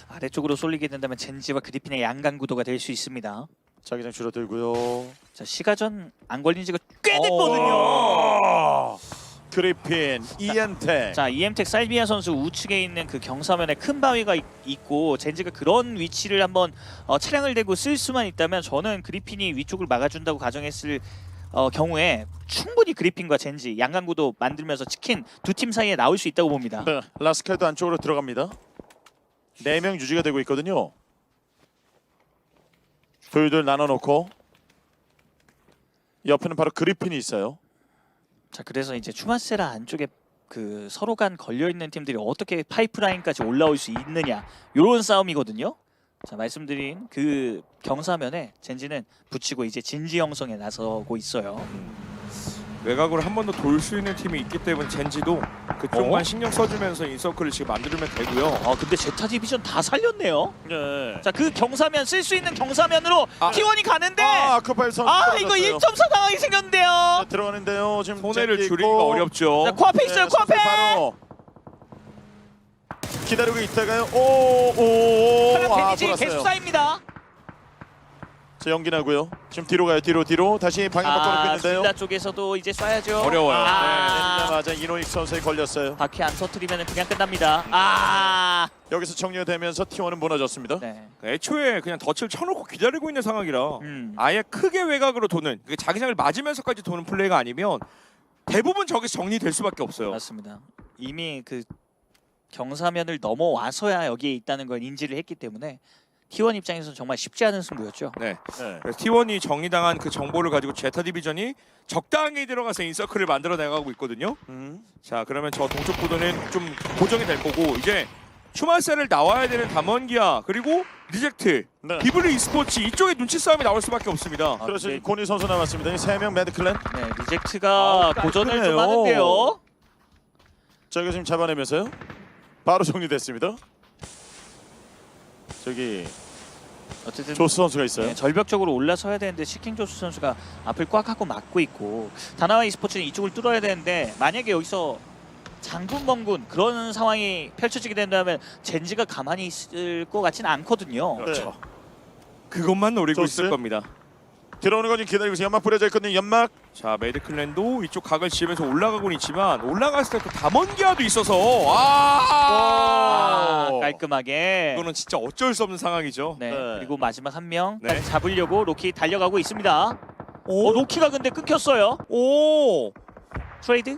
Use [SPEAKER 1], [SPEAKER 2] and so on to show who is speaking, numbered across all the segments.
[SPEAKER 1] 아래쪽으로 쏠리게 된다면 젠지와 그리핀의 양강 구도가 될 수 있습니다.
[SPEAKER 2] 자기장 줄어들고요.
[SPEAKER 1] 자, 시가전 안 걸린 지가 꽤 됐거든요.
[SPEAKER 2] 그리핀, 이엔텍.
[SPEAKER 1] 자, 이엠텍 살비아 선수 우측에 있는 그 경사면에 큰 바위가 있고 젠지가 그런 위치를 한번 차량을 대고 쓸 수만 있다면 저는 그리핀이 위쪽을 막아준다고 가정했을 경우에 충분히 그리핀과 젠지 양강구도 만들면서 치킨 두 팀 사이에 나올 수 있다고 봅니다.
[SPEAKER 2] 네, 라스칼도 안쪽으로 들어갑니다. 4명 유지가 되고 있거든요. 둘둘 나눠놓고 옆에는 바로 그리핀이 있어요.
[SPEAKER 1] 자, 그래서 이제 추마세라 안쪽에 그 서로 간 걸려 있는 팀들이 어떻게 파이프라인까지 올라올 수 있느냐 이런 싸움이거든요. 자, 말씀드린 그 경사면에 젠지는 붙이고 이제 진지 형성에 나서고 있어요.
[SPEAKER 3] 외곽으로 한 번 더 돌 수 있는 팀이 있기 때문에 젠지도 그쪽만 신경 써주면서 인서클을 지금 만들면 되고요.
[SPEAKER 1] 근데 제타 디비전 다 살렸네요.
[SPEAKER 2] 네.
[SPEAKER 1] 자, 그 경사면 쓸 수 있는 경사면으로 T1이 가는데
[SPEAKER 2] 아크파일 선수.
[SPEAKER 1] 이거 1.4 상황이 생겼는데요.
[SPEAKER 2] 네, 들어가는데요. 지금
[SPEAKER 3] 손해를
[SPEAKER 2] 젠지
[SPEAKER 3] 줄이기가
[SPEAKER 2] 있고.
[SPEAKER 3] 어렵죠.
[SPEAKER 1] 자, 코앞에 있어요. 코앞에.
[SPEAKER 2] 바로 기다리고 있다가요. 오.
[SPEAKER 1] 하나 데미지
[SPEAKER 2] 돌았어요.
[SPEAKER 1] 개수 쌓입니다.
[SPEAKER 2] 자, 연기나고요. 지금 뒤로 가요. 뒤로 다시 방향 바꿔놓고 있는데요.
[SPEAKER 1] 빌라 쪽에서도 이제 쏴야죠.
[SPEAKER 3] 어려워요.
[SPEAKER 2] 내리자마자 이노익 선수에 걸렸어요.
[SPEAKER 1] 바퀴 안 터트리면 그냥 끝납니다.
[SPEAKER 2] 여기서 정리되면서 T1은 무너졌습니다.
[SPEAKER 1] 네.
[SPEAKER 3] 애초에 그냥 덫을 쳐놓고 기다리고 있는 상황이라
[SPEAKER 1] 음.
[SPEAKER 3] 아예 크게 외곽으로 도는 그 자기장을 맞으면서까지 도는 플레이가 아니면 대부분 저기서 정리될 수밖에 없어요.
[SPEAKER 1] 맞습니다. 이미 그 경사면을 넘어와서야 여기에 있다는 걸 인지를 했기 때문에 T1 입장에서는 정말 쉽지 않은 승부였죠.
[SPEAKER 3] 네.
[SPEAKER 2] 네.
[SPEAKER 3] 그래서 T1이 정리당한 그 정보를 가지고 제타 디비전이 적당히 들어가서 인서클을 만들어 나가고 있거든요. 자, 그러면 저 동쪽 구도는 좀 고정이 될 거고 이제 슈마셀을 나와야 되는 담원기아 그리고 리젝트,
[SPEAKER 2] 네.
[SPEAKER 3] 비블리 e스포츠 이쪽에 눈치 싸움이 나올 수밖에 없습니다.
[SPEAKER 2] 그래서
[SPEAKER 1] 네.
[SPEAKER 2] 고니 선수 남았습니다. 이 3명 매드클랜.
[SPEAKER 1] 네, 리젝트가 고전을 좀
[SPEAKER 2] 깔끔해요.
[SPEAKER 1] 하는데요.
[SPEAKER 2] 자, 이거 지금 잡아내면서요. 바로 정리됐습니다. 저기
[SPEAKER 1] 어쨌든
[SPEAKER 2] 조스 선수가 있어요.
[SPEAKER 1] 네, 절벽 쪽으로 올라서야 되는데 시킹 조스 선수가 앞을 꽉 하고 막고 있고 다나와 e스포츠는 이쪽을 뚫어야 되는데 만약에 여기서 장군 멍군 그런 상황이 펼쳐지게 된다면 젠지가 가만히 있을 것 같지는 않거든요.
[SPEAKER 2] 그렇죠.
[SPEAKER 3] 그것만 노리고
[SPEAKER 2] 조스?
[SPEAKER 3] 있을 겁니다.
[SPEAKER 2] 들어오는 거 지금 기다리고 있어요. 연막 뿌려져 있거든요. 연막.
[SPEAKER 3] 자, 매드클랜도 이쪽 각을 지으면서 올라가고는 있지만 올라갔을 때 또 담원기아도 있어서
[SPEAKER 1] 깔끔하게.
[SPEAKER 3] 이거는 진짜 어쩔 수 없는 상황이죠.
[SPEAKER 1] 네.
[SPEAKER 2] 네.
[SPEAKER 1] 그리고 마지막 한 명
[SPEAKER 3] 네.
[SPEAKER 1] 잡으려고 로키 달려가고 있습니다.
[SPEAKER 3] 오,
[SPEAKER 1] 로키가 근데 끊겼어요.
[SPEAKER 3] 오.
[SPEAKER 1] 트레이드?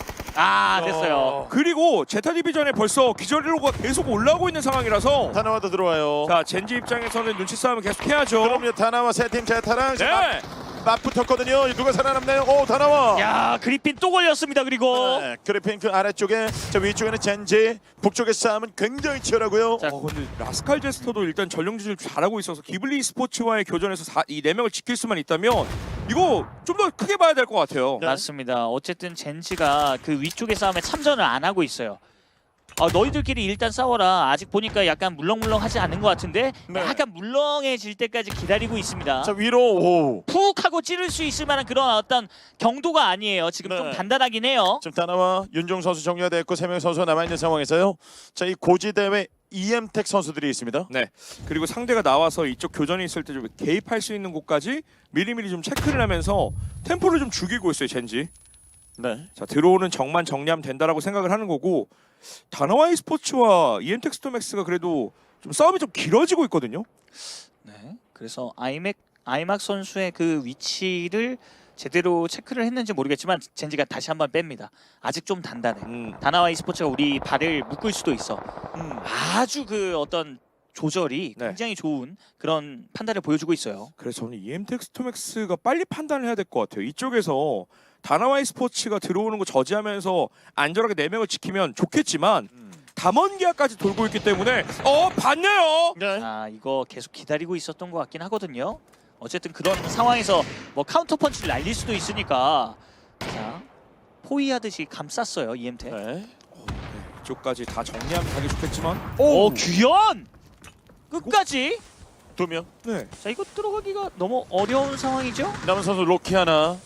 [SPEAKER 1] 됐어요.
[SPEAKER 3] 그리고 제타 디비전에 벌써 기절로가 계속 올라오고 있는 상황이라서
[SPEAKER 2] 다나와도 들어와요.
[SPEAKER 3] 자, 젠지 입장에서는 눈치 싸움을 계속 해야죠.
[SPEAKER 2] 그럼요. 다나와 세 팀 제타랑
[SPEAKER 3] 네.
[SPEAKER 2] 맞붙었거든요. 누가 살아남나요? 오, 다나와.
[SPEAKER 1] 야, 그리핀 또 걸렸습니다. 그리고
[SPEAKER 2] 네, 그리핀 그 아래쪽에 저 위쪽에는 젠지, 북쪽의 싸움은 굉장히 치열하고요.
[SPEAKER 1] 자,
[SPEAKER 3] 근데 라스칼 제스터도 일단 전령 지지를 잘하고 있어서 기블리 스포츠와의 교전에서 이 4명을 지킬 수만 있다면 이거 좀 더 크게 봐야 될 것 같아요.
[SPEAKER 2] 네.
[SPEAKER 1] 맞습니다. 어쨌든 젠지가 그 위쪽의 싸움에 참전을 안 하고 있어요. 너희들끼리 일단 싸워라. 아직 보니까 약간 물렁물렁하지 않은 것 같은데
[SPEAKER 2] 네.
[SPEAKER 1] 약간 물렁해질 때까지 기다리고 있습니다.
[SPEAKER 2] 자, 위로. 오.
[SPEAKER 1] 푹 하고 찌를 수 있을 만한 그런 어떤 경도가 아니에요. 지금
[SPEAKER 2] 네.
[SPEAKER 1] 좀 단단하긴 해요.
[SPEAKER 2] 지금 다나와 윤종 선수 정리가 됐고 3명 선수가 남아있는 상황에서요. 자, 이 고지 대회 이엠텍 선수들이 있습니다.
[SPEAKER 3] 네. 그리고 상대가 나와서 이쪽 교전이 있을 때 좀 개입할 수 있는 곳까지 미리미리 좀 체크를 하면서 템포를 좀 죽이고 있어요, 젠지.
[SPEAKER 2] 네.
[SPEAKER 3] 자, 들어오는 적만 정리하면 된다라고 생각을 하는 거고 다나와 e스포츠와 이엠텍 스토맥스가 그래도 좀 싸움이 좀 길어지고 있거든요.
[SPEAKER 1] 네. 그래서 아이막 선수의 그 위치를 제대로 체크를 했는지 모르겠지만 젠지가 다시 한번 뺍니다. 아직 좀 단단해. 다나와 e스포츠가 우리 발을 묶을 수도 있어. 아주 그 어떤 조절이
[SPEAKER 3] 네.
[SPEAKER 1] 굉장히 좋은 그런 판단을 보여주고 있어요.
[SPEAKER 3] 그래서 저는 이엠텍 스토맥스가 빨리 판단을 해야 될 것 같아요. 이쪽에서 다나와 e스포츠가 들어오는 거 저지하면서 안전하게 4명을 지키면 좋겠지만 담원기아까지 돌고 있기 때문에 봤네요.
[SPEAKER 2] 네.
[SPEAKER 1] 이거 계속 기다리고 있었던 것 같긴 하거든요. 어쨌든 그런 상황에서 뭐 카운터 펀치를 날릴 수도 있으니까 자, 포위하듯이 감쌌어요 이엠텍.
[SPEAKER 2] 네.
[SPEAKER 3] 이쪽까지 다 정리하면 가기 좋겠지만
[SPEAKER 1] 규현 끝까지.
[SPEAKER 2] 2명.
[SPEAKER 3] 네.
[SPEAKER 1] 자, 이거 들어가기가 너무 어려운 상황이죠.
[SPEAKER 2] 남은 선수 로키 하나.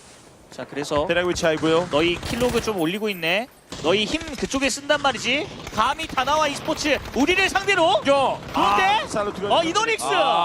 [SPEAKER 1] 자 그래서
[SPEAKER 2] 대략 위치 알고요.
[SPEAKER 1] 너희 킬로그 좀 올리고 있네. 너희 힘 그쪽에 쓴단 말이지. 감히 다나와 e스포츠 우리를 상대로. 그런데
[SPEAKER 2] 살루트가
[SPEAKER 1] 이노닉스.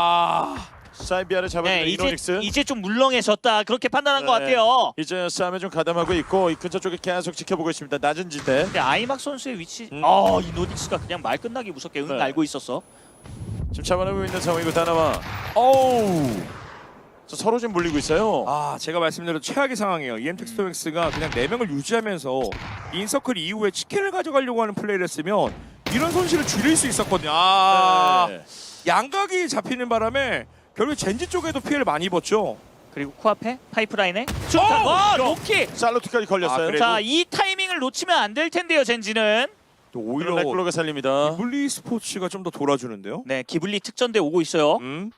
[SPEAKER 2] 사이비아를 잡아낸
[SPEAKER 1] 네,
[SPEAKER 2] 이노닉스.
[SPEAKER 1] 이제 좀 물렁해졌다 그렇게 판단한 것
[SPEAKER 2] 네.
[SPEAKER 1] 같아요.
[SPEAKER 2] 이제 싸움에 좀 가담하고 있고 이 근처 쪽에 계속 지켜보고 있습니다. 낮은 지대.
[SPEAKER 1] 근데 아이막 선수의 위치. 이노닉스가 그냥 말 끝나기 무섭게
[SPEAKER 2] 네.
[SPEAKER 1] 알고 있었어.
[SPEAKER 2] 지금 잡아내고 있는 상황이고 다나와.
[SPEAKER 3] 어우.
[SPEAKER 2] 서로 지금 물리고 있어요.
[SPEAKER 3] 제가 말씀드린 최악의 상황이에요. EM텍 스토맥스가 그냥 4명을 유지하면서 인서클 이후에 치킨을 가져가려고 하는 플레이를 했으면 이런 손실을 줄일 수 있었거든요.
[SPEAKER 2] 네.
[SPEAKER 3] 양각이 잡히는 바람에 결국 젠지 쪽에도 피해를 많이 입었죠.
[SPEAKER 1] 그리고 코앞에 파이프라인에 수탄. 와 로키.
[SPEAKER 2] 살루트까지 걸렸어요.
[SPEAKER 3] 그래도-
[SPEAKER 1] 자 이 타이밍을 놓치면 안 될 텐데요 젠지는.
[SPEAKER 3] 또
[SPEAKER 2] 오히려
[SPEAKER 3] 오히려
[SPEAKER 2] 렉블로가 살립니다.
[SPEAKER 3] 기블리 스포츠가 좀 더 돌아주는데요.
[SPEAKER 1] 네 기블리 특전대 오고 있어요.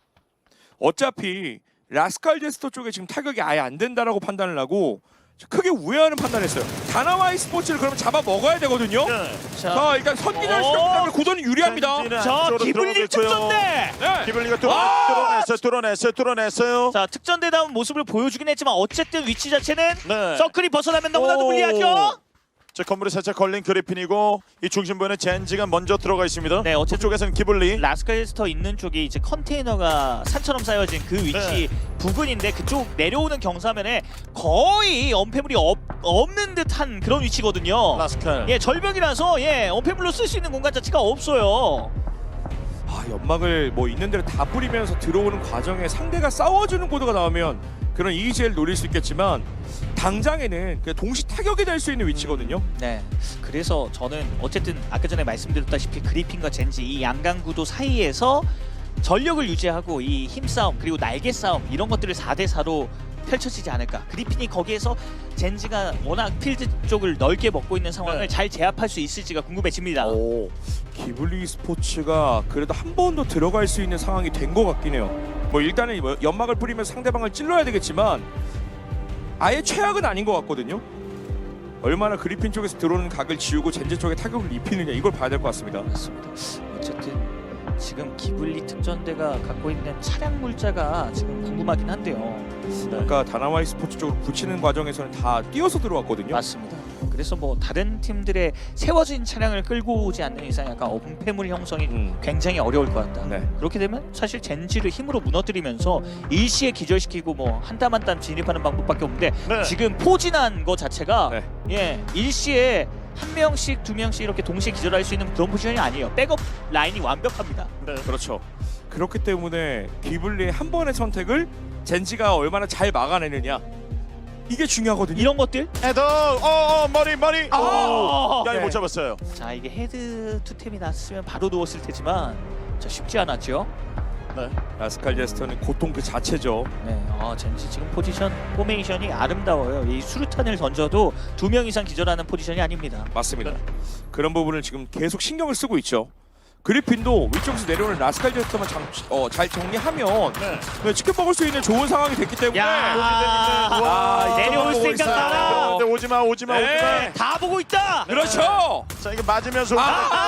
[SPEAKER 3] 어차피 라스칼 제스터 쪽에 지금 타격이 아예 안 된다라고 판단을 하고 크게 우회하는 판단했어요. 다나와이 스포츠를 그러면 잡아 먹어야 되거든요.
[SPEAKER 2] 네.
[SPEAKER 3] 자 일단 선기절 시켰기 때문에 구도는 유리합니다.
[SPEAKER 2] 젠지는
[SPEAKER 1] 자
[SPEAKER 2] 안쪽으로
[SPEAKER 1] 기블리
[SPEAKER 2] 들어가고 있고요.
[SPEAKER 1] 특전대.
[SPEAKER 3] 네.
[SPEAKER 2] 기블리가
[SPEAKER 3] 아!
[SPEAKER 2] 뚫어냈어요.
[SPEAKER 1] 자 특전대다운 모습을 보여주긴 했지만 어쨌든 위치 자체는
[SPEAKER 2] 네.
[SPEAKER 1] 서클이 벗어나면 너무나도
[SPEAKER 2] 오.
[SPEAKER 1] 불리하죠.
[SPEAKER 2] 자 건물에 살짝 걸린 그리핀이고 이 중심부에는 젠지가 먼저 들어가 있습니다.
[SPEAKER 1] 네, 어쨌든
[SPEAKER 2] 쪽에서는 기블리.
[SPEAKER 1] 라스칼스터 있는 쪽이 이제 컨테이너가 산처럼 쌓여진 그 위치 부근인데 그쪽 내려오는 경사면에 거의 엄폐물이 없는 듯한 그런 위치거든요.
[SPEAKER 2] 라스칼.
[SPEAKER 1] 예 절벽이라서 엄폐물로 쓸 수 있는 공간 자체가 없어요.
[SPEAKER 3] 연막을 뭐 있는 대로 다 뿌리면서 들어오는 과정에 상대가 싸워주는 코드가 나오면 그런 EGL 노릴 수 있겠지만 당장에는 그냥 동시 타격이 될 수 있는 위치거든요.
[SPEAKER 1] 네. 그래서 저는 어쨌든 아까 전에 말씀드렸다시피 그리핀과 젠지 이 양강 구도 사이에서 전력을 유지하고 이 힘싸움 그리고 날개 싸움 이런 것들을 4대 4로 펼쳐지지 않을까. 그리핀이 거기에서 젠지가 워낙 필드 쪽을 넓게 먹고 있는 상황을
[SPEAKER 2] 네.
[SPEAKER 1] 잘 제압할 수 있을지가 궁금해집니다.
[SPEAKER 3] 오, 기블리 스포츠가 그래도 한 번 더 들어갈 수 있는 상황이 된 것 같긴 해요. 뭐 일단은 뭐 연막을 뿌리면서 상대방을 찔러야 되겠지만 아예 최악은 아닌 것 같거든요. 얼마나 그리핀 쪽에서 들어오는 각을 지우고 젠지 쪽에 타격을 입히느냐 이걸 봐야 될 것 같습니다.
[SPEAKER 1] 맞습니다. 어쨌든 지금 기블리 특전대가 갖고 있는 차량 물자가 지금 궁금하긴 한데요.
[SPEAKER 3] 아까 다나와이 스포츠 쪽으로 붙이는 과정에서는 다 뛰어서 들어왔거든요.
[SPEAKER 1] 맞습니다. 그래서 뭐 다른 팀들의 세워진 차량을 끌고 오지 않는 이상 약간 엄폐물 형성이 굉장히 어려울 것 같다.
[SPEAKER 3] 네.
[SPEAKER 1] 그렇게 되면 사실 젠지를 힘으로 무너뜨리면서 일시에 기절시키고 뭐 한 땀 한 땀 진입하는 방법밖에 없는데
[SPEAKER 2] 네.
[SPEAKER 1] 지금 포진한 거 자체가
[SPEAKER 3] 네.
[SPEAKER 1] 일시에 한 명씩 두 명씩 이렇게 동시에 기절할 수 있는 그런 포지션이 아니에요. 백업 라인이 완벽합니다.
[SPEAKER 2] 네.
[SPEAKER 3] 그렇죠. 그렇기 때문에 기블리의 한 번의 선택을 젠지가 얼마나 잘 막아내느냐 이게 중요하거든요.
[SPEAKER 1] 이런 것들.
[SPEAKER 2] 헤더. 머리.
[SPEAKER 1] 아!
[SPEAKER 2] 야, 이거
[SPEAKER 3] 네.
[SPEAKER 2] 못 잡았어요.
[SPEAKER 1] 자 이게 헤드 투템이 났으면 바로 누웠을 테지만 자 쉽지 않았죠.
[SPEAKER 2] 네.
[SPEAKER 3] 라스칼 제스터는 고통 그 자체죠.
[SPEAKER 1] 네, 젠지 지금 포지션 포메이션이 아름다워요. 이 수류탄을 던져도 2명 이상 기절하는 포지션이 아닙니다.
[SPEAKER 3] 맞습니다. 그런 부분을 지금 계속 신경을 쓰고 있죠. 그리핀도 위쪽에서 내려오는 라스칼 제스터만 잘 정리하면
[SPEAKER 2] 네.
[SPEAKER 3] 치킨 먹을 수 있는 좋은 상황이 됐기 때문에
[SPEAKER 1] 야, 내려올 생각 많아.
[SPEAKER 2] 오지마.
[SPEAKER 3] 네.
[SPEAKER 1] 다 보고 있다.
[SPEAKER 3] 그렇죠.
[SPEAKER 2] 자 이게 맞으면서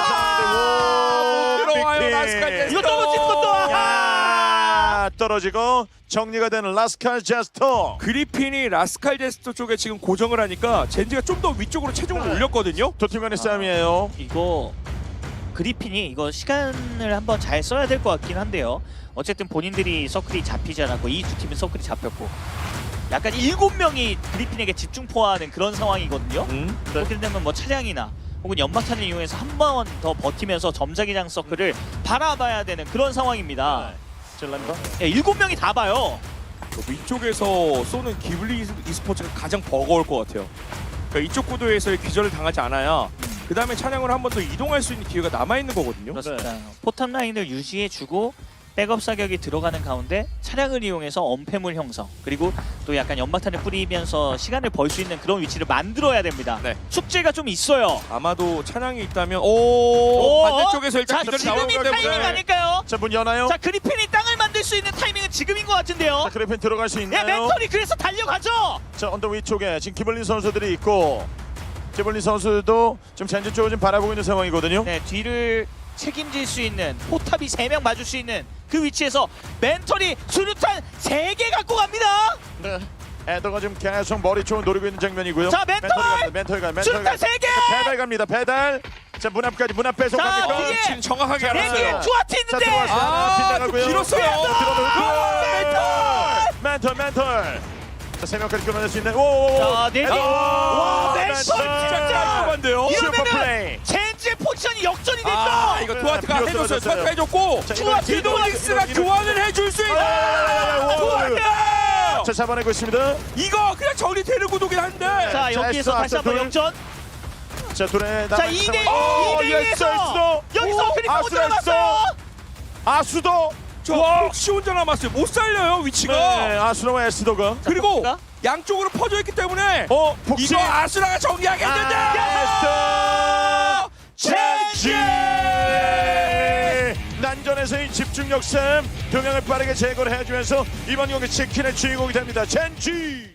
[SPEAKER 3] 들어와요 라스칼 제스터.
[SPEAKER 1] 이거 떨어지는 것도
[SPEAKER 2] 떨어지고 정리가 되는 라스칼 제스터.
[SPEAKER 3] 그리핀이 라스칼 제스터 쪽에 지금 고정을 하니까 젠지가 좀 더 위쪽으로 체중을 올렸거든요.
[SPEAKER 2] 두 팀 간의 싸움이에요.
[SPEAKER 1] 이거 그리핀이 이거 시간을 한번 잘 써야 될 것 같긴 한데요. 어쨌든 본인들이 서클이 잡히지 않았고 이 두 팀은 서클이 잡혔고 약간 7명이 그리핀에게 집중포화하는 그런 상황이거든요. 그렇게 되면 뭐 차량이나 혹은 연막탄을 이용해서 한 번 더 버티면서 점자기장 서클을 바라봐야 되는 그런 상황입니다.
[SPEAKER 2] 젤란가?
[SPEAKER 1] 7명이 다 봐요.
[SPEAKER 3] 위쪽에서 쏘는 기블리 e스포츠가 가장 버거울 것 같아요. 그러니까 이쪽 구도에서의 기절을 당하지 않아야 그 다음에 차량으로 한 번 더 이동할 수 있는 기회가 남아있는 거거든요.
[SPEAKER 1] 그렇습니다. 포탑 라인을 유지해주고 백업 사격이 들어가는 가운데 차량을 이용해서 엄폐물 형성 그리고 또 약간 연막탄을 뿌리면서 시간을 벌 수 있는 그런 위치를 만들어야 됩니다.
[SPEAKER 3] 네.
[SPEAKER 1] 숙제가 좀 있어요.
[SPEAKER 3] 아마도 차량이 있다면
[SPEAKER 1] 오!
[SPEAKER 3] 반대쪽에서 일단
[SPEAKER 1] 자
[SPEAKER 3] 기절이
[SPEAKER 1] 지금이
[SPEAKER 3] 나오기
[SPEAKER 1] 타이밍
[SPEAKER 3] 때문에
[SPEAKER 1] 아닐까요?
[SPEAKER 2] 자 문 여나요?
[SPEAKER 1] 자 그리핀이 땅을 만들 수 있는 타이밍은 지금인 것 같은데요.
[SPEAKER 2] 자 그래핀 들어갈 수
[SPEAKER 1] 예,
[SPEAKER 2] 있나요?
[SPEAKER 1] 멘털이 그래서 달려가죠.
[SPEAKER 2] 자 언더 위쪽에 지금 기블린 선수들이 있고 기블린 선수도 지금 젠지 쪽을 좀 바라보고 있는 상황이거든요.
[SPEAKER 1] 네, 뒤를 책임질 수 있는 포탑이 3명 맞을 수 있는 그 위치에서 멘털이 수류탄 3개 갖고 갑니다.
[SPEAKER 2] 네. 에더가 지금 계속 머리 쪽을 노리고 있는 장면이고요.
[SPEAKER 1] 자, 멘털!
[SPEAKER 2] 멘털
[SPEAKER 1] 슈터 세 개!
[SPEAKER 2] 배달 갑니다. 배달. 자, 문 앞까지 문 앞에서
[SPEAKER 1] 자,
[SPEAKER 2] 갑니까?
[SPEAKER 1] 뒤에!
[SPEAKER 3] 지금 정확하게
[SPEAKER 2] 자,
[SPEAKER 3] 알았어요.
[SPEAKER 1] 내기에 투하트
[SPEAKER 2] 자,
[SPEAKER 1] 있는데.
[SPEAKER 2] 들어왔어요. 빗나가고요.
[SPEAKER 3] 길었어요.
[SPEAKER 2] 멘털. 자, 3명까지 끊어낼 수 있는. 오.
[SPEAKER 1] 자, 내기. 와, 멘털
[SPEAKER 3] 진짜
[SPEAKER 1] 진짜.
[SPEAKER 3] 깔끔한데요.
[SPEAKER 2] 슈퍼
[SPEAKER 1] 이러면은
[SPEAKER 2] 플레이.
[SPEAKER 1] 젠지의 포지션이 역전이 됐죠.
[SPEAKER 3] 아, 이거 투아트가
[SPEAKER 2] 비었어요,
[SPEAKER 3] 해줬어요.
[SPEAKER 2] 비었어요.
[SPEAKER 3] 투아트가 해줬고
[SPEAKER 2] 자,
[SPEAKER 3] 디도닉스가 교환을 해줄 수 있는. 투아트!
[SPEAKER 2] 자, 잡아내고 있습니다.
[SPEAKER 3] 이거 그냥 정리되는 구도긴 한데.
[SPEAKER 1] 자, 여기에서 다시 한번
[SPEAKER 2] 둘.
[SPEAKER 1] 역전.
[SPEAKER 2] 자, 둘의
[SPEAKER 1] 자,
[SPEAKER 2] 남은
[SPEAKER 1] 2대
[SPEAKER 2] 상황.
[SPEAKER 1] 2대에서 여기서 그리고 못
[SPEAKER 2] 아수라
[SPEAKER 1] 들어갔어요.
[SPEAKER 2] 아수도.
[SPEAKER 3] 저 혹시 혼자 남았어요. 못 살려요 위치가.
[SPEAKER 2] 네, 아수라와 에스더가.
[SPEAKER 3] 그리고
[SPEAKER 1] 자,
[SPEAKER 3] 양쪽으로 퍼져 있기 때문에
[SPEAKER 2] 복시.
[SPEAKER 3] 이거 아수라가 정리하겠는데.
[SPEAKER 2] 에스더.
[SPEAKER 3] 젠지!
[SPEAKER 2] 난전에서의 집중력 싸움, 동향을 빠르게 제거를 해주면서 이번 경기 치킨의 주인공이 됩니다. 젠지.